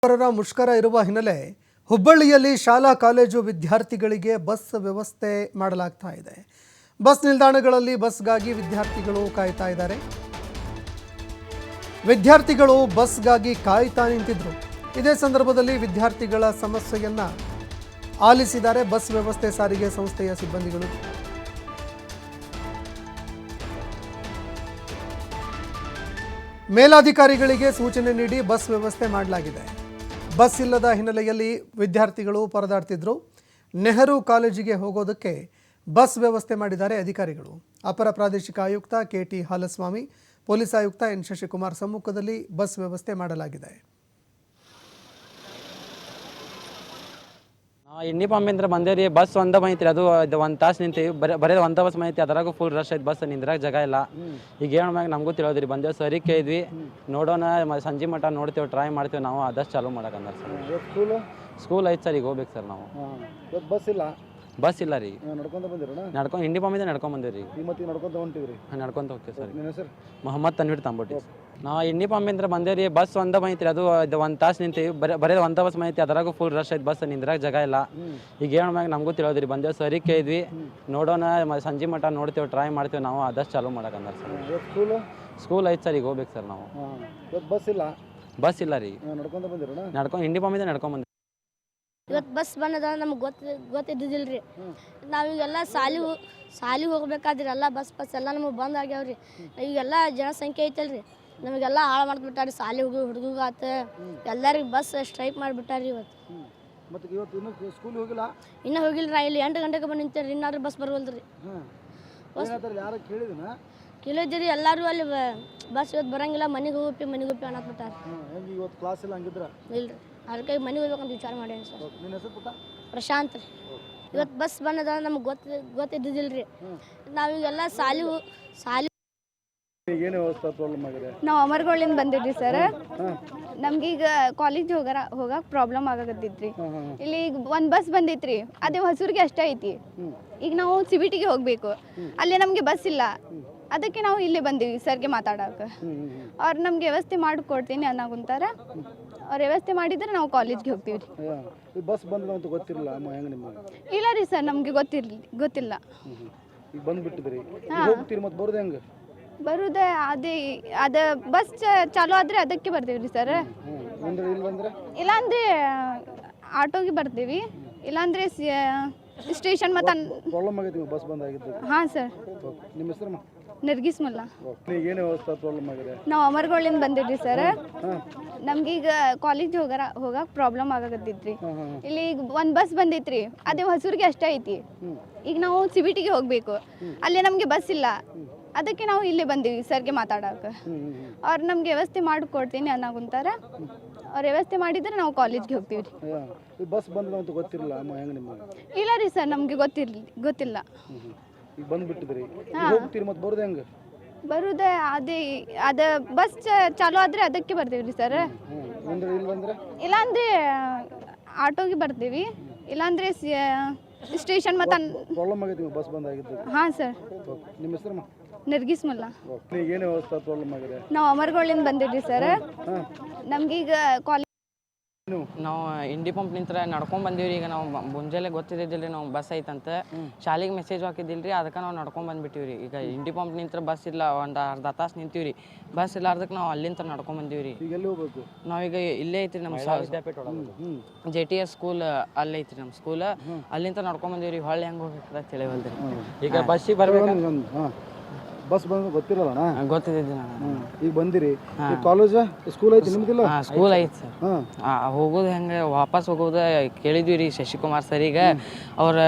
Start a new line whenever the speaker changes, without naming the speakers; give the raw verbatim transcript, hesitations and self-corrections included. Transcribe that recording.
ನೌಕರರ ಮುಷ್ಕರ ಇರುವ ಹಿನ್ನೆಲೆ ಹುಬ್ಬಳ್ಳಿಯಲ್ಲಿ ಶಾಲಾ ಕಾಲೇಜು ವಿದ್ಯಾರ್ಥಿಗಳಿಗೆ ಬಸ್ ವ್ಯವಸ್ಥೆ ಮಾಡಲಾಗ್ತಾ ಇದೆ. ಬಸ್ ನಿಲ್ದಾಣಗಳಲ್ಲಿ ಬಸ್ಗಾಗಿ ವಿದ್ಯಾರ್ಥಿಗಳು ಕಾಯ್ತಾ ಇದ್ದಾರೆ. ವಿದ್ಯಾರ್ಥಿಗಳು ಬಸ್ಗಾಗಿ ಕಾಯ್ತಾ ನಿಂತಿದ್ರು. ಇದೇ ಸಂದರ್ಭದಲ್ಲಿ ವಿದ್ಯಾರ್ಥಿಗಳ ಸಮಸ್ಯೆಯನ್ನ ಆಲಿಸಿದ್ದಾರೆ ಬಸ್ ವ್ಯವಸ್ಥೆ ಸಾರಿಗೆ ಸಂಸ್ಥೆಯ ಸಿಬ್ಬಂದಿಗಳು. ಮೇಲಾಧಿಕಾರಿಗಳಿಗೆ ಸೂಚನೆ ನೀಡಿ ಬಸ್ ವ್ಯವಸ್ಥೆ ಮಾಡಲಾಗಿದೆ. ಬಸ್ ಇಲ್ಲದ ಹಿನ್ನೆಲೆಯಲ್ಲಿ ವಿದ್ಯಾರ್ಥಿಗಳು ಪರದಾಡ್ತಿದ್ರು. ನೆಹರು ಕಾಲೇಜಿಗೆ ಹೋಗೋದಕ್ಕೆ ಬಸ್ ವ್ಯವಸ್ಥೆ ಮಾಡಿದ್ದಾರೆ ಅಧಿಕಾರಿಗಳು. ಅಪರ ಪ್ರಾದೇಶಿಕ ಆಯುಕ್ತ ಕೆ ಟಿ ಹಾಲಸ್ವಾಮಿ, ಪೊಲೀಸ್ ಆಯುಕ್ತ ಎನ್ ಶಶಿಕುಮಾರ್ ಸಮ್ಮುಖದಲ್ಲಿ ಬಸ್ ವ್ಯವಸ್ಥೆ ಮಾಡಲಾಗಿದೆ.
ಇಂಡಿ ಪಾಂಬಿಂದ್ರ ಬಂದೇವ್ರಿ. ಬಸ್ ಒಂದ ಬಂದೈತ್ರಿ, ಅದು ಒಂದು ತಾಸು ನಿಂತೀವಿ. ಬರೀ ಬರೀ ಒಂದ ಬಸ್ ಬಂದೈತಿ, ಅದರಾಗೂ ಫುಲ್ ರಶ್ ಐತಿ. ಬಸ್ ನಿಂದ್ರಾಗ ಜಾಗ ಇಲ್ಲ. ಈಗ ಏನು ಮ್ಯಾಗ ನಮಗೂ ತಿಳಿಯೋದ್ರಿ. ಬಂದೇವು ಸರಿ ಕೇಳಿದ್ವಿ, ನೋಡೋಣ ಸಂಜೆ ಮಟ್ಟ ನೋಡ್ತೇವೆ, ಟ್ರೈ ಮಾಡ್ತೇವೆ. ನಾವು ಆದಷ್ಟು ಚಾಲೂ ಮಾಡಕಂದ್ರೆ ಸರ್. ಸ್ಕೂಲ್ ಸ್ಕೂಲ್ ಐತೆ ಸರ್, ಈಗ ಹೋಗ್ಬೇಕು ಸರ್. ನಾವು
ಬಸ್ ಇಲ್ಲ
ಬಸ್ ಇಲ್ಲ ರೀ.
ನಡ್ಕೊಂತ ಬಂದಿರೋಣ
ನಡ್ಕೊಂಡು ಇಂಡಿ ಪಾಂಬಿಂದ ನಡ್ಕೊಂಡ್ ಬಂದೇವ್ರಿ.
ಮತ್ತೆ ನಡ್ಕೊಂತ ಹೊಂಟಿವ್ರಿ.
ನಡ್ಕೊಂತ ಹೋಗ್ತೇವೆ ಸರ್.
ನಿಮ್ಮ ಹೆಸರು?
ಮೊಹಮ್ಮದ್ ತನ್ವೀರ್ ತಂಬೋಟಿ. ನಾವು ಇಂಡಿ ಪಾಂಬಿಂದ್ರ ಬಂದೇವ್ರಿ. ಬಸ್ ಒಂದ ಬಂದೈತ್ರಿ, ಅದು ಒಂದು ತಾಸು ನಿಂತೀವಿ. ಬರೀ ಬರೀ ಒಂದ ಬಸ್ ಬಂದೈತಿ, ಅದರಾಗೂ ಫುಲ್ ರಶ್ ಐತಿ. ಬಸ್ ನಿಂದ್ರಾಗ ಜಾಗ ಇಲ್ಲ. ಈಗ ಏನು ಮ್ಯಾಗ ನಮಗೂ ತಿಳಿಯೋದ್ರಿ. ಬಂದೇವು ಸರಿ ಕೇಳಿದ್ವಿ, ನೋಡೋಣ ಸಂಜೆ ಮಟ್ಟ ನೋಡ್ತೇವೆ, ಟ್ರೈ ಮಾಡ್ತೇವೆ. ನಾವು ಆದಷ್ಟು ಚಾಲೂ ಮಾಡಕಂದ್ರೆ ಸರ್. ಸ್ಕೂಲ್ ಸ್ಕೂಲ್ ಐತೆ ಸರ್, ಈಗ ಹೋಗ್ಬೇಕು ಸರ್. ನಾವು
ಬಸ್ ಇಲ್ಲ
ಬಸ್ ಇಲ್ಲ ರೀ.
ನಡ್ಕೊಂತ ಬಂದಿರೋಣ
ನಡ್ಕೊಂಡು ಇಂಡಿ ಪಾಂಬಿಂದ ನಡ್ಕೊಂಡ್ ಬಂದ್ವಿ.
ಇವತ್ತು ಬಸ್ ಬಂದದ ನಮ್ಗೆ ಗೊತ್ತ ಗೊತ್ತಿದ್ದಿಲ್ಲ ರೀ. ನಾವೀಗೆಲ್ಲ ಸಾಲಿ ಸಾಲಿಗೆ ಹೋಗ್ಬೇಕಾದ್ರಿ ಎಲ್ಲ ಬಸ್ ಬಸ್ ಎಲ್ಲ ನಮಗೆ ಬಂದ್ ಆಗ್ಯಾವ್ರಿ. ಈಗೆಲ್ಲ ಜನಸಂಖ್ಯೆ ಐತಲ್ರಿ, ನಮಗೆಲ್ಲ ಹಾಳು ಮಾಡ್ಬಿಟ್ಟಾರಿ. ಸಾಲಿ ಹೋಗಿ ಹುಡುಗಾತ ಎಲ್ಲರಿಗೆ ಬಸ್ ಸ್ಟ್ರೈಕ್ ಮಾಡಿಬಿಟ್ಟಾರಿ ಇವತ್ತು.
ಮತ್ತೆ ಇವತ್ತು ಇನ್ನೂ ಸ್ಕೂಲ್ ಹೋಗಿಲ್ಲ?
ಇನ್ನೂ ಹೋಗಿಲ್ಲ ರೀ. ಇಲ್ಲಿ ಎಂಟು ಗಂಟೆಗೆ ಬಂದು ನಿಂತೇರಿ, ಇನ್ನಾರು ಬಸ್ ಬರೋಲ್ರಿ.
ಯಾರು ಕೇಳಿದಿನ?
ಕೇಳಿದ್ದೀರಿ ಎಲ್ಲರೂ. ಅಲ್ಲಿ ಬಸ್ ಇವತ್ತು ಬರಂಗಿಲ್ಲ, ಮನೆಗೆ ಹೋಗಿ ಮನೆಗೆ ಹೋಗಿ ಅನ್ನತ್ಬಿಟ್ಟಾರ.
ಇವತ್ತು ಕ್ಲಾಸ್ ಇಲ್ಲ ಹಂಗಿದ್ರ?
ಇಲ್ರಿ, ಅದಕ್ಕೆ ಮನೆಗೆ ಹೋಗ್ಬೇಕಂತ ವಿಚಾರ ಮಾಡೇನಿ ಸರ್.
ನಿನ್ನ ಹೆಸರು ಪುಟ್ಟ?
ಪ್ರಶಾಂತ್ ರೀ. ಇವತ್ತು ಬಸ್ ಬಂದದ ನಮ್ಗೆ ಗೊತ್ತ ಗೊತ್ತಿದ್ದಿಲ್ಲ ರೀ. ನಾವೀಗೆಲ್ಲ ಸಾಲಿ ಸಾಲಿ
ಏನು ವ್ಯವಸ್ಥೆ ಪ್ರಾಬ್ಲಮ್ ಆಗಿದೆ?
ನಾವು ಅಮರಗೋಳಿಂದ ಬಂದಿದ್ರಿ ಸರ್. ನಮ್ಗೀಗ ಕಾಲೇಜ್ ಹೋಗಾರ ಹೋಗಕ್ಕೆ ಪ್ರಾಬ್ಲಮ್ ಆಗಕತ್ತಿದ್ರಿ. ಇಲ್ಲಿ ಈಗ ಒಂದು ಬಸ್ ಬಂದೈತ್ರಿ, ಅದೇ ಹೊಸೂರಿಗೆ ಅಷ್ಟೇ ಐತಿ. ಈಗ ನಾವು ಸಿ ಬಿ ಟಿಗೆ ಹೋಗಬೇಕು, ಅಲ್ಲಿ ನಮಗೆ ಬಸ್ ಇಲ್ಲ. ಅದಕ್ಕೆ ನಾವು ಇಲ್ಲೇ ಬಂದೀವಿ ಸರ್ಗೆ ಮಾತಾಡೋಕೆ. ಅವ್ರು ನಮ್ಗೆ ವ್ಯವಸ್ಥೆ ಮಾಡಿಕೊಡ್ತೀನಿ ಅನ್ನೋಗುಂತಾರ. ಅವ್ರು ವ್ಯವಸ್ಥೆ ಮಾಡಿದ್ರೆ ನಾವು ಕಾಲೇಜ್ಗೆ ಹೋಗ್ತೀವಿ ರೀ.
ಬಸ್ ಬಂದ ಅಂತ ಗೊತ್ತಿರಲ್ಲ ಹೆಂಗೆ ನಿಮಗೆ?
ಇಲ್ಲ ರೀ ಸರ್, ನಮಗೆ ಗೊತ್ತಿರಲಿ ಗೊತ್ತಿಲ್ಲ.
ಈಗ ಬಂದ್ಬಿಟ್ಟಿದ್ರಿ, ಹೋಗ್ತೀರಿ ಮತ್ತೆ ಬರೋದು ಹೆಂಗೆ?
ಬರುದೇ ಅದೇ ಅದ ಬಸ್ ಚಾಲೂ ಆದರೆ ಅದಕ್ಕೆ ಬರ್ತೀವಿ ರೀ ಸರ್. ಇಲ್ಲಾಂದ್ರೆ ಆಟೋಗೆ ಬರ್ತೀವಿ, ಇಲ್ಲಾಂದ್ರೆ ಸ್ಟೇಷನ್ ಮತ್ತು
ಪ್ರಾಬ್ಲಮ್ ಆಗೈತಿ ಬಸ್ ಬಂದ್ ಆಗಿದ್ದು.
ಹಾಂ ಸರ್.
ನಿಮ್ಮ ಹೆಸರು?
ನರ್ಗಿಸ್ ಮುಲ್ಲಾ.
ಏನು ವ್ಯವಸ್ಥೆ ಪ್ರಾಬ್ಲಮ್ ಆಗಿದೆ?
ನಾವು ಅಮರಗೋಳಿಂದ ಬಂದಿದ್ರಿ ಸರ್. ನಮ್ಗೀಗ ಕಾಲೇಜ್ ಹೋಗಾರ ಹೋಗಕ್ಕೆ ಪ್ರಾಬ್ಲಮ್ ಆಗಕತ್ತಿದ್ರಿ. ಇಲ್ಲಿ ಈಗ ಒಂದು ಬಸ್ ಬಂದೈತ್ರಿ, ಅದೇ ಹೊಸೂರಿಗೆ ಅಷ್ಟೇ ಐತಿ. ಈಗ ನಾವು ಸಿ ಬಿ ಟಿಗೆ ಹೋಗಬೇಕು, ಅಲ್ಲಿ ನಮಗೆ ಬಸ್ ಇಲ್ಲ. ಅದಕ್ಕೆ ನಾವು ಇಲ್ಲೇ ಬಂದೀವಿ ಸರ್ಗೆ ಮಾತಾಡೋಕೆ. ಅವ್ರು ನಮ್ಗೆ ವ್ಯವಸ್ಥೆ ಮಾಡಿಕೊಡ್ತೀನಿ ಅನ್ನೋಗುಂತಾರ. ಅವ್ರು ವ್ಯವಸ್ಥೆ ಮಾಡಿದ್ರೆ ನಾವು ಕಾಲೇಜ್ಗೆ ಹೋಗ್ತೀವಿ ರೀ.
ಬಸ್ ಬಂದ ಅಂತ ಗೊತ್ತಿರಲ್ಲ ಹೆಂಗೆ ನಿಮಗೆ?
ಇಲ್ಲ ರೀ ಸರ್, ನಮಗೆ ಗೊತ್ತಿರಲಿ ಗೊತ್ತಿಲ್ಲ.
ಈಗ ಬಂದ್ಬಿಟ್ಟಿದ್ರಿ, ಹೋಗ್ತೀರಿ ಮತ್ತೆ ಬರೋದು ಹೆಂಗೆ?
ಬರುದೇ ಅದೇ ಅದ ಬಸ್ ಚಾಲೂ ಆದರೆ ಅದಕ್ಕೆ ಬರ್ತೀವಿ ರೀ ಸರ್. ಇಲ್ಲಾಂದ್ರೆ ಆಟೋಗೆ ಬರ್ತೀವಿ, ಇಲ್ಲಾಂದ್ರೆ ಸ್ಟೇಷನ್ ಮತ್ತು
ಪ್ರಾಬ್ಲಮ್ ಆಗೈತಿ ಬಸ್ ಬಂದ್ ಆಗಿದ್ದು.
ಹಾಂ ಸರ್.
ನಿಮ್ಮ ಹೆಸರು?
ನರ್ಗಿಸ್ ಮುಲ್ಲಾ.
ಏನು ವ್ಯವಸ್ಥೆ ಪ್ರಾಬ್ಲಮ್ ಆಗಿದೆ?
ನಾವು ಅಮರಗೋಳಿಂದ ಬಂದಿದ್ರಿ ಸರ್. ನಮ್ಗೀಗ ಕಾಲೇಜ್
ನಾವು ಇಂಡಿ ಪಂಪ್ ನಿಂತ್ರ ನಡ್ಕೊಂಡ್ ಬಂದೀವ್ರಿ. ಈಗ ನಾವು ಮುಂಜಾನೆ ಗೊತ್ತಿದ್ದಿಲ್ಲ ನಾವು ಬಸ್ ಐತಂತ. ಶಾಲೆಗೆ ಮೆಸೇಜ್ ಹಾಕಿದ್ದಿಲ್ರಿ, ಅದಕ್ಕೆ ನಾವು ನಡ್ಕೊಂಡ್ ಬಂದ್ಬಿಟ್ಟಿವ್ರಿ. ಈಗ ಇಂಡಿ ಪಂಪ್ ನಿಂತ್ರ ಬಸ್ ಇಲ್ಲ, ಒಂದು ಅರ್ಧ ತಾಸು ನಿಂತೀವ್ರಿ. ಬಸ್ ಇಲ್ಲ ಅರ್ಧಕ್ಕೆ ನಾವು ಅಲ್ಲಿಂದ ನಡ್ಕೊಂಡ್ ಬಂದೀವ್ರಿ.
ಈಗ ಎಲ್ಲಿ ಹೋಗ್ಬೇಕು?
ನಾವೀಗ ಇಲ್ಲೇ ಐತ್ರಿ ನಮ್ಮ ಜೆ ಟಿ ಎಸ್ ಸ್ಕೂಲ್, ಅಲ್ಲಿ ಐತ್ರಿ ನಮ್ಮ ಸ್ಕೂಲ್. ಅಲ್ಲಿಂದ ನಡ್ಕೊಂಡ್ ಬಂದೀವ್ರಿ. ಹೊಳ್ಳಿ ಹೆಂಗೆ ಹೋಗ್ಬೇಕಂತ ತಿಳಿವಲ್ರಿ. ಈಗ ಬಸ್ಸಿಗೆ ಬರ್ಬೇಕು.
ಬಸ್ ಬಂದ ಗೊತ್ತಿರಲ್ಲ?
ಗೊತ್ತಿದ್ದಿಲ್ಲ.
ಈಗ ಬಂದಿರಿ, ಕಾಲೇಜ್ ಸ್ಕೂಲ್ ಐತಿ ನಿಮ್ದಿಲ್ಲ?
ಸ್ಕೂಲ್ ಐತಿ ಸರ್. ಹೋಗೋದು ಹೆಂಗೆ ವಾಪಸ್ ಹೋಗೋದು ಕೇಳಿದ್ವಿ ರೀ ಶಶಿಕುಮಾರ್ ಸರಿಗೆ. ಅವ್ರ